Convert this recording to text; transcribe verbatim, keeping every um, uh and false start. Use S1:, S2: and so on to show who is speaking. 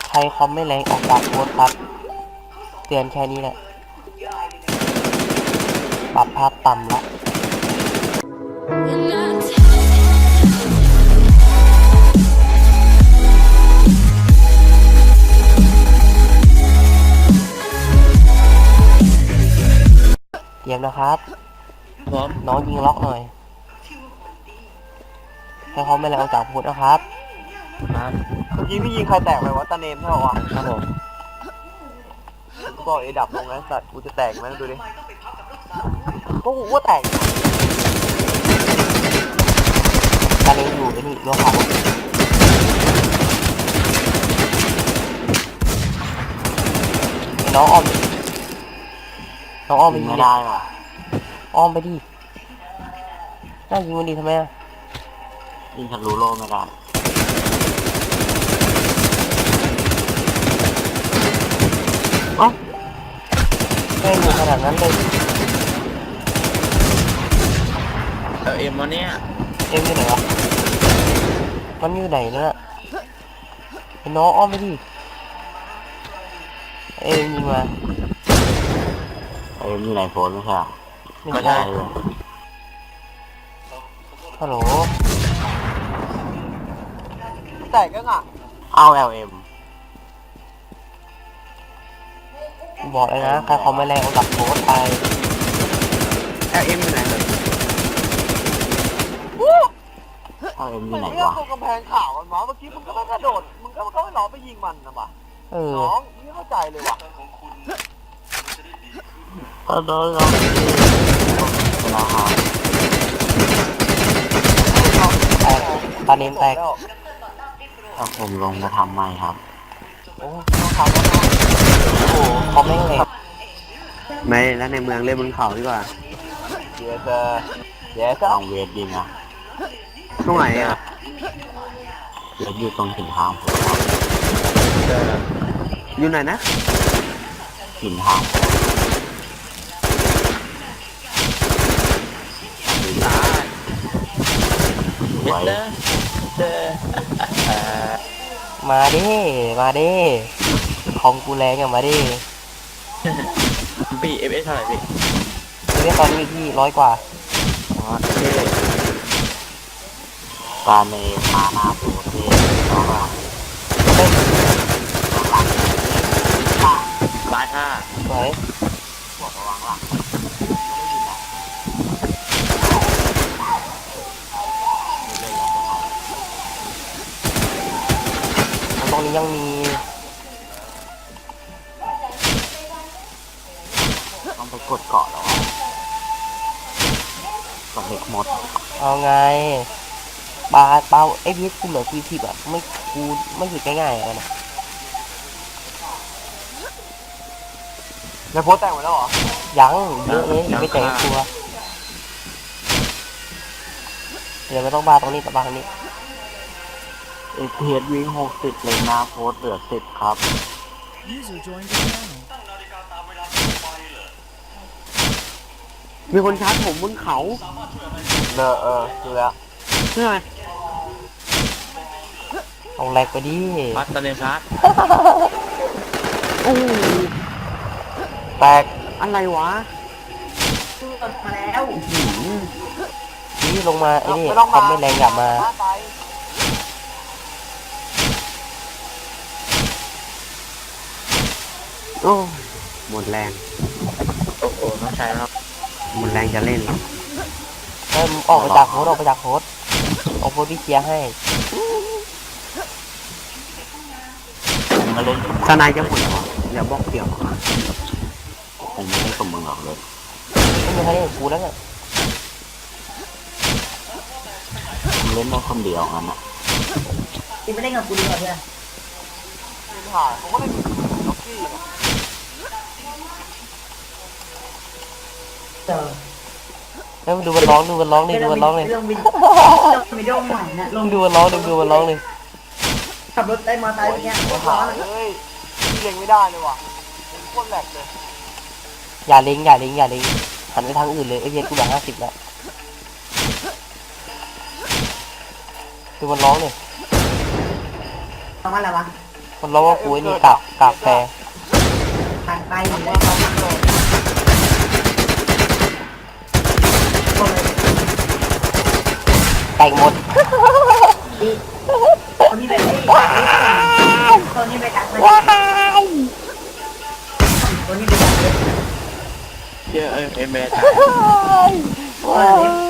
S1: ใครคอมไม่แรงออกจากโพสต์ครับเตือนแค่นี้แหละปรับภาพต่ำละเตรียมนะครับ
S2: พร้อม
S1: น้องยิงล็อกหน่อยให้เขาไม่แรงออกจากโพสต์นะครับ
S2: ครับ
S3: เมื่อกี้พี่ยิงใครแตกไปวะตาเนมใช่ป่าวะ
S2: ครับผม
S3: กูบอกเอดับลงนะสัตว์กูจะแตกไหมดูดิพวกกูก็แตก
S1: ตอนนี้อยู่ไอ้นี่รั้วเขาไอ้น้องอ้อมน้องอ้อมไปยิง
S3: ไม่ได้หรอ
S1: อ้อมไปดิน่ายิงมันดีทำไมอ่ะ
S3: ยิงทะลุโลไม่ได้
S1: เอ้าไม่อยู่ขนาดนั้นเลย
S2: เออเอ็มวันเนี้ย
S1: เอ็มอยู่ไหนวะมันอยู่ไหนนั่นน่ะไอ้น้องอ้อมไปดิเอ็มยิงมา
S3: เอ็มอยู่ไหนโฟนไม่ใช่
S1: ไม่ใช่ฮัลโหล
S3: แตกยังอ่ะเอา แอล เอ็ม
S1: บอกเลยนะใครคอมไม่แรงเอาดับโพสต์ไป
S2: แอลเอ็มอยู่ไหนเลย
S3: เอา เอ็มอยู่ไหนวะตรงกำแพงขาวมันวะเมื่อกี้มึงก็ไม่กระโดดมึงก็ก็ไม่หลอไปยิงมันนะวะ
S1: เออ
S3: น้องไม่เข้าใจเลยว่ะก็โดนเรานะครับ
S1: แตกตอนนี้แตก
S3: ถ้าผมลงมาทำใหม่ครับโอ้ต้องทำแล้ว
S1: โอ้คอมไม่แรง
S2: ไม่แล้วในเมืองเล่นบนเขาดีกว่า
S3: เดี๋ยวจะเดี๋ยวจะเอาเวทยิงอ่ะ
S2: ตรงไหนอ่ะ
S3: เวทอยู่ตรงหินทางผม
S2: อยู่ไหนนะ
S3: หินทาง
S2: เด็ดเด้อเด้อ
S1: มาดิมาดิของกูแรงอะมาดิ
S2: พี่เอฟเอสเท่าไหร่พี่
S1: เรียกตอนนี้ที่ร้อยกว่า
S2: อ๋อโอเค
S3: การในมานาโปรเทสเพราะว่า
S2: บาท่า
S1: สวย
S3: บอกระวังหลัง
S1: ตรงนี้ยังมี
S3: ต้องไปกดเกาะแล้วกดเล็กหมด
S1: เอาไงบาเปาไอพีกูเหลือคุยทีแบบไม่กูไม่หยุดง่ายๆอะนะ
S3: ในโพสแต่งหมดแล้วเหรอ
S1: ยังเยอะเลยยังไม่แต่งตัวเดี๋ยวเราต้องบาตรงนี้กับบาตรงนี้
S3: เอทีเอสวิ่งหกสิบเลยหน้าโพสเหลือสิบครับ
S2: มีคนชาร์จผมบนเขา
S3: เลอเออดูแล้ว
S2: ใช่ไหม
S1: เอาแรงไปดิ
S2: พัดตะเนียนชาร์จ
S1: โอ้แตก
S2: อะไรวะ
S1: มาแล้วนี่ลงมาไอ้นี่คอมไม่แรงอย่ามา
S2: โอ้หมดแรงโอ้โหน้องชายครับหมดแรงจะเล่นหรอ
S1: เอ้ยออกไปจากโพสออกไปจากโพสออกโพสที่เคลียร์ให้
S3: มาเล่น
S2: ทนายจะหมดหรออย่าบอกเดี่ยว
S3: ผมไม่ได้กับมึงหรอกเลย
S1: ไม่มีใครเล่นกูแล้วเนี่ย
S3: เล่นได้คนเดียวงั้นอ่ะ
S1: ที่ไม่ได้กับกูดีกว่าเพื่อน
S3: ไม่ผ่านผมก็เล่นล็อกกี้
S1: แล้วดูมันร้องดูมันร้องเลยดูมันร้องเลย
S4: ไม่โดนหวานนะ
S1: ลงดูมันร้องดูดูมันร้องเลย
S4: ขับรถได้มาตายอย่างเงี้ย
S3: ร้อนเฮ้ยเล็งไม่ได้เลยว่ะโคตรแหลกเลย
S1: อย่าเล็งอย่าเล็งอย่าเล็งหันไปทางอื่นเลยไอ้เพี้ยกูเหลือห้าสิบแล้วดูมันร้องเลย
S4: ทำอะไรวะ
S1: มันล้อว่ากูไอ้นี่กากกากแฟ
S4: ผ่านไปอยู่ได้เขาบอกเลย
S1: แตกหมด
S4: ดีคนนี้ไปได้คนนี้ไปดักเลย
S1: ว้าย
S4: คนนี้ไปดักเลย
S2: เยอะเออเอ็มเอ
S1: ว้ายว้าย